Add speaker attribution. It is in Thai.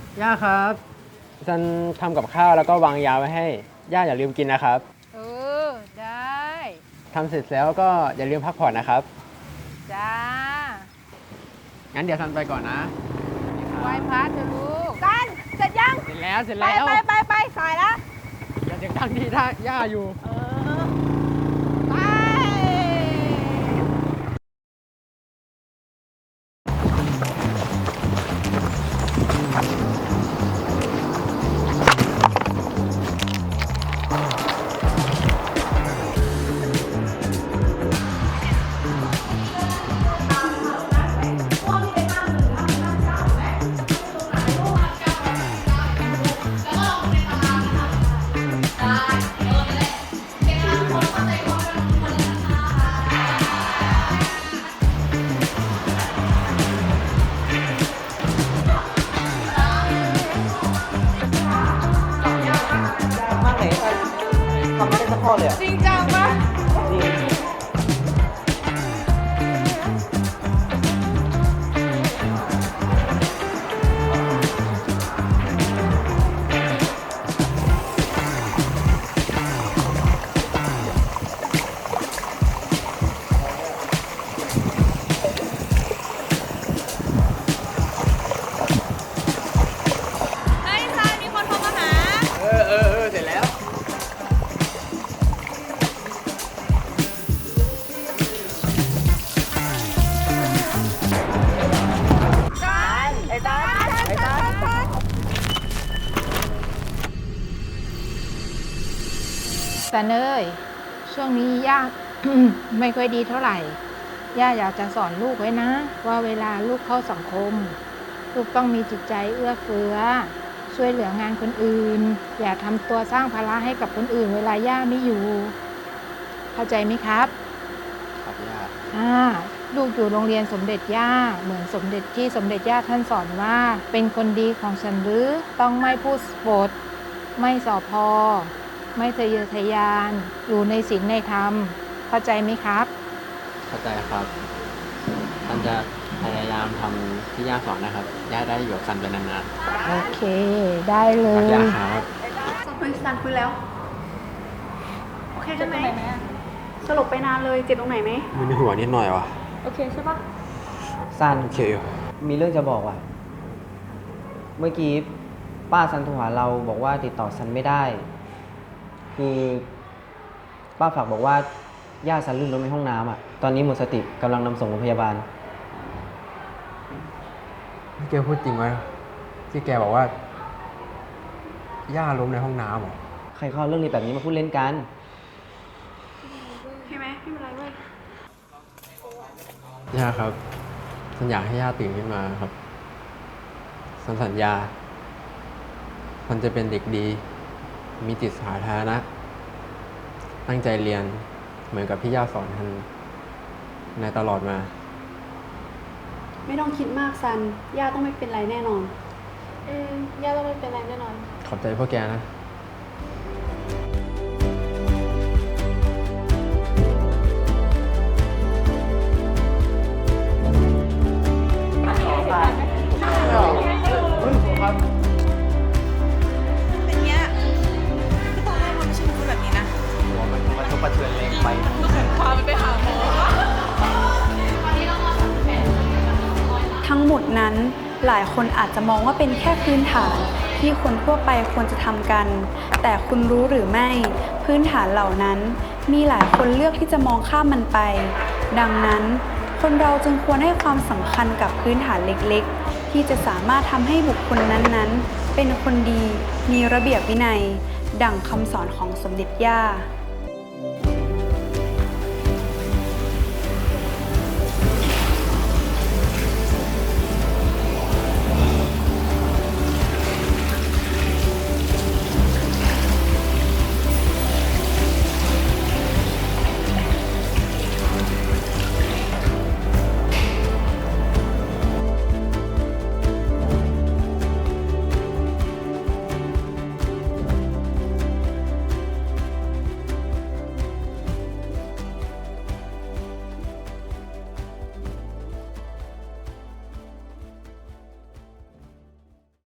Speaker 1: ย่าครับฉันทำกับข้าวแล้วก็วางยาไว้ให้ย่าอย่าลืมกินนะครับ
Speaker 2: เออ ได้
Speaker 1: ทำเสร็จแล้วก็อย่าลืมพักผ่อนนะครับ
Speaker 2: จ้า
Speaker 1: งั้นเดี๋ยวฉันไปก่อนนะ
Speaker 2: ไหว้พระเถอะลูกกันเสร็จยัง
Speaker 1: เสร็จแล้วเสร็จ
Speaker 2: ไป
Speaker 1: แล้ว
Speaker 2: ไปสายแล้ว
Speaker 1: อย่าเสียงดังที่ท่าย่าอยู่
Speaker 2: ไป
Speaker 3: มากไหนทำไม่ได้สักข้อเลยอ่ะ
Speaker 2: จริงจังปะ
Speaker 3: จริง
Speaker 2: เฮ้ยซายมีคนโทรมาหา
Speaker 1: เสร็จแล้ว
Speaker 2: กันไอ้ตาไอ้ตาแต่เนยช่วงนี้ย่า ไม่ค่อยดีเท่าไหร่ ย่าอยากจะสอนลูกไว้นะ ว่าเวลาลูกเข้าสังคม ลูกต้องมีจิตใจเอื้อเฟื้อ ช่วยเหลืองานคนอื่น อย่าทำตัวสร้างภาระให้กับคนอื่น เวลาย่าไม่อยู่ เข้าใจไหมครับ
Speaker 1: ครับย่า
Speaker 2: ลูกอยู่โรงเรียนสมเด็จย่าเหมือนสมเด็จที่สมเด็จย่าท่านสอนว่า เป็นคนดีของฉันหรือต้องไม่พูดปด ไม่สอพอ ไม่ทะเยอทะยาน อยู่ในศีลในธรรม เข้าใจไหมครับ
Speaker 1: เข้าใจครับฉันจะพยายามทำที่ย่าสอนนะครับ ย่าได้อยู่กับฉันไปนาน
Speaker 2: โอเค ได้เล
Speaker 1: ๆรัก
Speaker 2: ย
Speaker 1: ย่าครับ
Speaker 4: คุยสันคุยแล้ว โอเคใช่ไหมสลบไปนานเลยเจ็บตรงไหนไหม
Speaker 1: มันในหัวนิดหน่อยวะ
Speaker 4: โอเคใช่ปะ
Speaker 3: ซัน
Speaker 1: โอเคอยู่
Speaker 3: มีเรื่องจะบอกว่ะ เมื่อกี้ป้าซันโทรหาเราบอกว่าติดต่อซันไม่ได้ คือป้าฝากบอกว่าย่าซันลื่นล้มในห้องน้ำอ่ะ ตอนนี้หมดสติกำลังนำส่งโรงพยาบาล
Speaker 1: นี่แกพูดจริงไหมที่แกบอกว่า ย่าล้มในห้องน้ำเหรอ
Speaker 3: ใครเข้าเรื่องนี้แบบนี้มาพูดเล่นกัน
Speaker 4: ใช่ไหมไม่เป็นไรเว้ย
Speaker 1: ย่าครับฉันอยากให้ย่าตื่นขึ้นมาครับฉันสัญญาฉันจะเป็นเด็กดี มีจิตสาธารณะตั้งใจเรียนเหมือนกับที่ย่าสอนท่านในตลอดมา
Speaker 4: ไม่ต้องคิดมากซัน ย่าต้องไม่เป็นไรแน่นอน ย่าต้องไม่เป็นไรแน่นอน
Speaker 1: ขอบใจพวกแกนะ
Speaker 5: เป็นเงี้ยคือตอนแรกมันไม่ใช่พูดแบบนี้นะ
Speaker 3: มันก็ประเทือนแรงไป
Speaker 4: ทั้งหมดนั้นหลายคนอาจจะมองว่าเป็นแค่พื้นฐานที่คนทั่วไปควรจะทำกัน แต่คุณรู้หรือไม่พื้นฐานเหล่านั้น มีหลายคนเลือกที่จะมองข้ามมันไป ดังนั้น คนเราจึงควรให้ความสำคัญกับพื้นฐานเล็กๆ ที่จะสามารถทำให้บุคคลนั้นๆ เป็นคนดี มีระเบียบวินัย ดั่งคำสอนของสมเด็จย่า